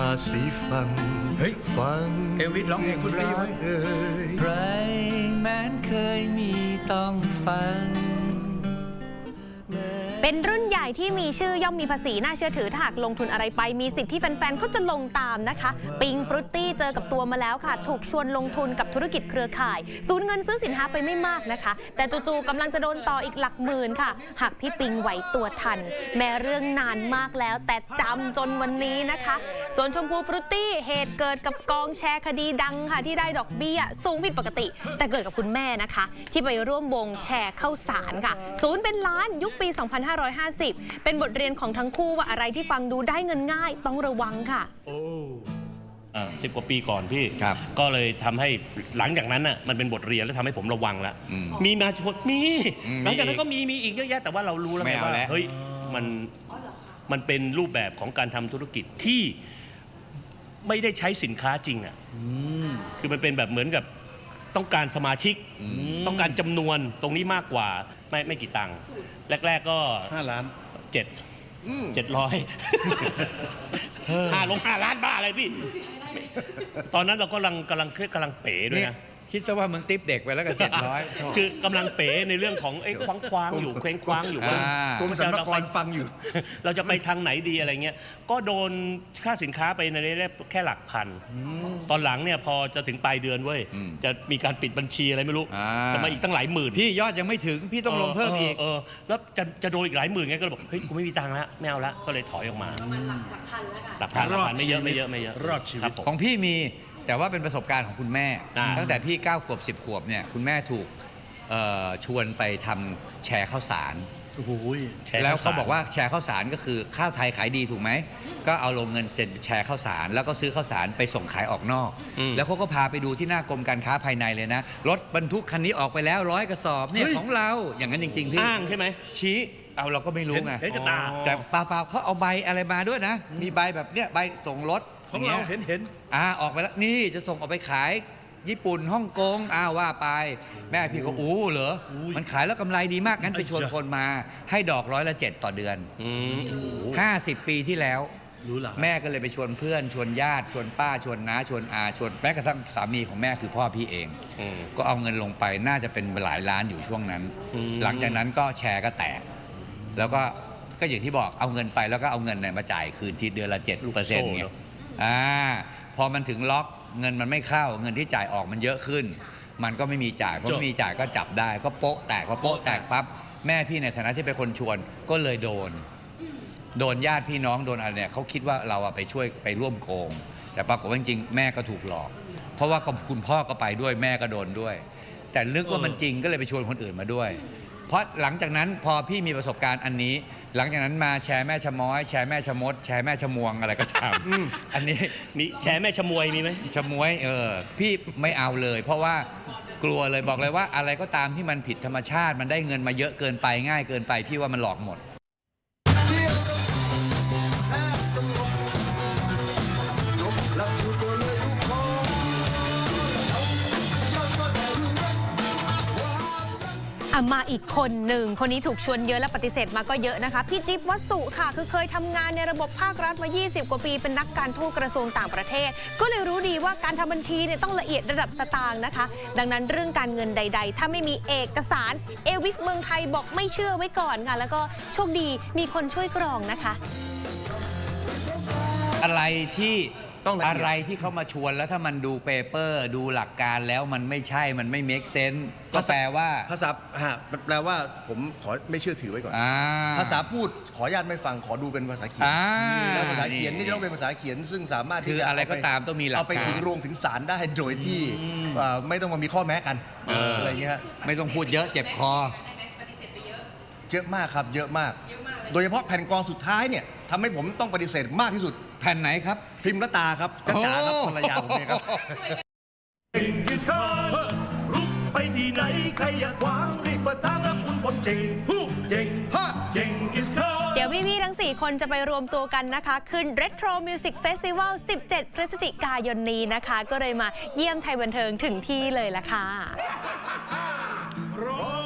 สีฟังเฮ้ยฟังเอลวิสร้องเพลงคุณรักใครแม้นเคยมีต้องฟังเป็นรุ่นใหญ่ที่มีชื่อย่อมมีภาษีน่าเชื่อถือถ้าหากลงทุนอะไรไปมีสิทธิ์ที่แฟนๆเขาจะลงตามนะคะปิงฟรุตตี้เจอกับตัวมาแล้วค่ะถูกชวนลงทุนกับธุรกิจเครือข่ายสูญเงินซื้อสินค้าไปไม่มากนะคะแต่จู่ๆกำลังจะโดนต่ออีกหลักหมื่นค่ะหากพี่ปิงไหวตัวทันแม้เรื่องนานมากแล้วแต่จำจนวันนี้นะคะส่วนชมพูฟรุตตี้เหตุเกิดกับกองแชร์คดีดังค่ะที่ได้ดอกเบี้ยสูงผิดปกติแต่เกิดกับคุณแม่นะคะที่ไปร่วมวงแชร์ข้าวสารค่ะศูนย์เป็นล้านยุคปี 2550 เป็นบทเรียนของทั้งคู่ว่าอะไรที่ฟังดูได้เงินง่ายต้องระวังค่ะ 10 กว่าปีก่อนพี่ก็เลยทำให้หลังจากนั้นน่ะมันเป็นบทเรียนแล้วทำให้ผมระวังแล้วมีมาชดมีหลังจากนั้นก็มีอีกเยอะแยะแต่ว่าเรารู้แล้วไงว่าเฮ้ยมันเป็นรูปแบบของการทำธุรกิจที่ไม่ได้ใช้สินค้าจริงอ่ะคือมันเป็นแบบเหมือนกับต้องการสมาชิกต้องการจำนวนตรงนี้มากกว่าไม่กี่ตังค์แรกๆก็ 5 ล้าน 700ลง5 ล้านบ้าอะไรพี่ตอนนั้นเรากำลังเป๋ด้วยนะคิดซะว่ามึงติ๊บเด็กไปแล้วก็700 คือกำลังเป๋ในเรื่องของไอ้คว้างอยู่เคว้งคว้างอยู่ว่ากรมสรรพากรฟังอยู่เราจะไปทางไหนดีอะไรเงี้ยก็โดนค่าสินค้าไปในระดับแค่หลักพันตอนหลังเนี่ยพอจะถึงปลายเดือนเว้ยจะมีการปิดบัญชีอะไรไม่รู้จะมาอีกตั้งหลายหมื่นพี่ยอดยังไม่ถึงพี่ต้องลงเพิ่มอีกแล้วจะโดนอีกหลายหมื่นไงก็เลยบอกเฮ้ยกูไม่มีตังค์แล้วไม่เอาละก็เลยถอยออกมาหลักพันไม่เยอะรอดชีวิตของพี่มีแต่ว่าเป็นประสบการณ์ของคุณแม่ตั้งแต่พี่9 ขวบ10 ขวบเนี่ยคุณแม่ถูกชวนไปทำแชร์ข้าวสารแล้วเขาบอกว่าแชร์ข้าวสารก็คือข้าวไทยขายดีถูกไหมก็เอาลงเงินแชร์ข้าวสารแล้วก็ซื้อข้าวสารไปส่งขายออกนอกแล้วเขาก็พาไปดูที่หน้ากรมการค้าภายในเลยนะรถบรรทุกคันนี้ออกไปแล้ว100 กระสอบเนี่ยของเราอย่างนั้นจริงๆพี่อ้างใช่ไหมชี้เอาเราก็ไม่รู้ไงแต่เปล่าเขาเอาใบอะไรมาด้วยนะมีใบแบบเนี้ยใบส่งรถของเราเห็นออกไปแล้วนี่จะส่งออกไปขายญี่ปุ่นฮ่องกงว่าไปแม่พี่ก็เหรอมันขายแล้วกำไรดีมากงั้นไปชวนคนมาให้ดอก7%ต่อเดือน50 ปีที่แล้วแม่ก็เลยไปชวนเพื่อนชวนญาติชวนป้าชวนน้าชวนอาชวนแม้กระทั่งสามีของแม่คือพ่อพี่เองก็เอาเงินลงไปน่าจะเป็นหลายล้านอยู่ช่วงนั้นหลังจากนั้นก็แชร์ก็แตกแล้วก็อย่างที่บอกเอาเงินไปแล้วก็เอาเงินมาจ่ายคืนทีเดือนละ7%ไงพอมันถึงล็อกเงินมันไม่เข้าเงินที่จ่ายออกมันเยอะขึ้นมันก็ไม่มีจ่ายพอไม่มีจ่ายก็จับได้ก็โป๊ะแตกพอโป๊ะแตกปั๊บแม่พี่ในฐานะที่เป็นคนชวนก็เลยโดนญาติพี่น้องโดนอะไรเนี่ยเขาคิดว่าเราไปช่วยไปร่วมโกงแต่ปรากฏว่าจริงๆแม่ก็ถูกหลอกเพราะว่าคุณพ่อก็ไปด้วยแม่ก็โดนด้วยแต่ลึกว่ามันจริงก็เลยไปชวนคนอื่นมาด้วยเพราะหลังจากนั้นพอพี่มีประสบการณ์อันนี้หลังจากนั้นมาแชร์แม่ชะม้อยแชร์แม่ชะมดแชร์แม่ชะมวงอะไรก็ตามอันนี้มีแชร์แม่ชะมวยมีไหมชะมวยพี่ไม่เอาเลยเพราะว่ากลัวเลยบอกเลยว่าอะไรก็ตามที่มันผิดธรรมชาติมันได้เงินมาเยอะเกินไปง่ายเกินไปพี่ว่ามันหลอกหมดมาอีกคนหนึ่งคนนี้ถูกชวนเยอะและปฏิเสธมาก็เยอะนะคะพี่จิ๊บวัสสุค่ะคือเคยทำงานในระบบภาครัฐมา20 กว่าปีเป็นนักการทูตกระทรวงต่างประเทศก็เลยรู้ดีว่าการทำบัญชีเนี่ยต้องละเอียดระดับสตางค์นะคะดังนั้นเรื่องการเงินใดๆถ้าไม่มีเอกสารเอวิสเมืองไทยบอกไม่เชื่อไว้ก่อนค่ะแล้วก็โชคดีมีคนช่วยกรองนะคะอะไรที่เขามาชวนแล้วถ้ามันดูเปเปอร์ดูหลักการแล้วมันไม่ใช่มันไม่ make sense ก็แปลว่าภาษาแปลว่าผมขอไม่เชื่อถือไว้ก่อนภาษาพูดขออนุญาตไม่ฟังขอดูเป็นภาษาเขียนภาษาเขียนนี่จะต้องเป็นภาษาเขียนซึ่งสามารถคืออะไรก็ตามต้องมีหลักการเอาไปถึงโรงถึงศาลได้โดยที่ไม่ต้องมามีข้อแม้กันอะไรเงี้ยไม่ต้องพูดเยอะเจ็บคอเยอะมากครับเยอะมากโดยเฉพาะแผ่นกรองสุดท้ายเนี่ยทำให้ผมต้องปฏิเสธมากที่สุดแผ่นไหนครับพิมพ์ละตาครับจ๋าครับภรรยาผมเองครับรุกไปที่ไหนใครอยากขวางรีบเปิดทางรับคุณผมเจ๋งเดี๋ยวพี่ๆทั้ง4คนจะไปรวมตัวกันนะคะขึ้น Retro Music Festival 17 พฤศจิกายนนี้นะคะก็เลยมาเยี่ยมไทยบันเทิงถึงที่เลยล่ะค่ะ